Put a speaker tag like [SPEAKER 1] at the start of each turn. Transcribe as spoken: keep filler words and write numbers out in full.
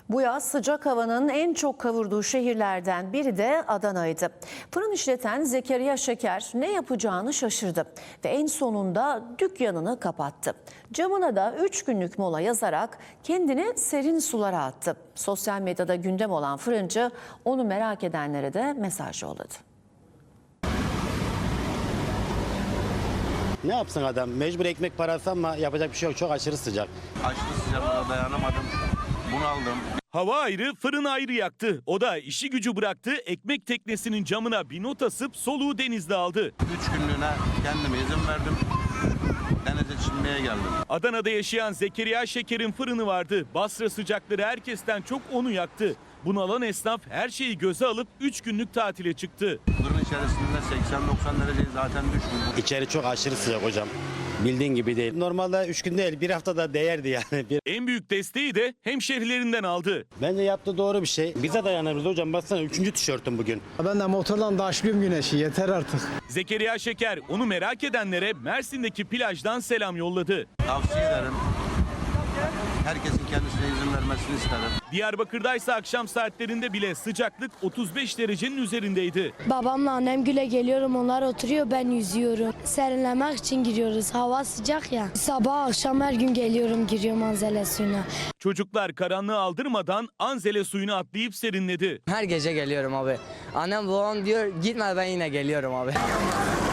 [SPEAKER 1] Bu yaz sıcak havanın en çok kavurduğu şehirlerden biri de Adana'ydı. Fırın işleten Zekeriya Şeker ne yapacağını şaşırdı ve en sonunda dükkanını kapattı. Camına da üç günlük mola yazarak kendini serin sulara attı. Sosyal medyada gündem olan fırıncı onu merak edenlere de mesaj yolladı.
[SPEAKER 2] Ne yapsın adam? Mecbur ekmek parası ama yapacak bir şey yok. Çok aşırı sıcak.
[SPEAKER 3] Aşırı sıcaklığa dayanamadım. Bunaldım.
[SPEAKER 4] Hava ayrı, fırın ayrı yaktı. O da işi gücü bıraktı, ekmek teknesinin camına bir not asıp soluğu denizde aldı.
[SPEAKER 3] Üç günlüğüne kendime izin verdim. Denize çinmeye geldim.
[SPEAKER 4] Adana'da yaşayan Zekeriya Şeker'in fırını vardı. Basra sıcakları herkesten çok onu yaktı. Bunalan esnaf her şeyi göze alıp üç günlük tatile çıktı.
[SPEAKER 3] Fırın içerisinde seksen doksan derece zaten düşmüş.
[SPEAKER 2] İçeri çok aşırı sıcak hocam. Bildiğin gibi değil. Normalde üç gün değil, bir haftada değerdi yani. Bir...
[SPEAKER 4] En büyük desteği de hemşerilerinden aldı.
[SPEAKER 2] Bence yaptığı doğru bir şey. Bize dayanırız hocam. Baksana üçüncü tişörtüm bugün.
[SPEAKER 5] Ben de motordan daşlıyorum güneşi. Yeter artık.
[SPEAKER 4] Zekeriya Şeker onu merak edenlere Mersin'deki plajdan selam yolladı.
[SPEAKER 3] Tavsiye ederim. Herkesin kendisine izin vermesini isterim.
[SPEAKER 4] Diyarbakır'daysa akşam saatlerinde bile sıcaklık otuz beş derecenin üzerindeydi.
[SPEAKER 6] Babamla annem güle geliyorum, onlar oturuyor, ben yüzüyorum. Serinlemek için giriyoruz, hava sıcak ya. Sabah akşam her gün geliyorum, giriyorum Anzele suyuna.
[SPEAKER 4] Çocuklar karanlığı aldırmadan Anzele suyuna atlayıp serinledi.
[SPEAKER 7] Her gece geliyorum abi. Annem babam diyor gitme, ben yine geliyorum abi.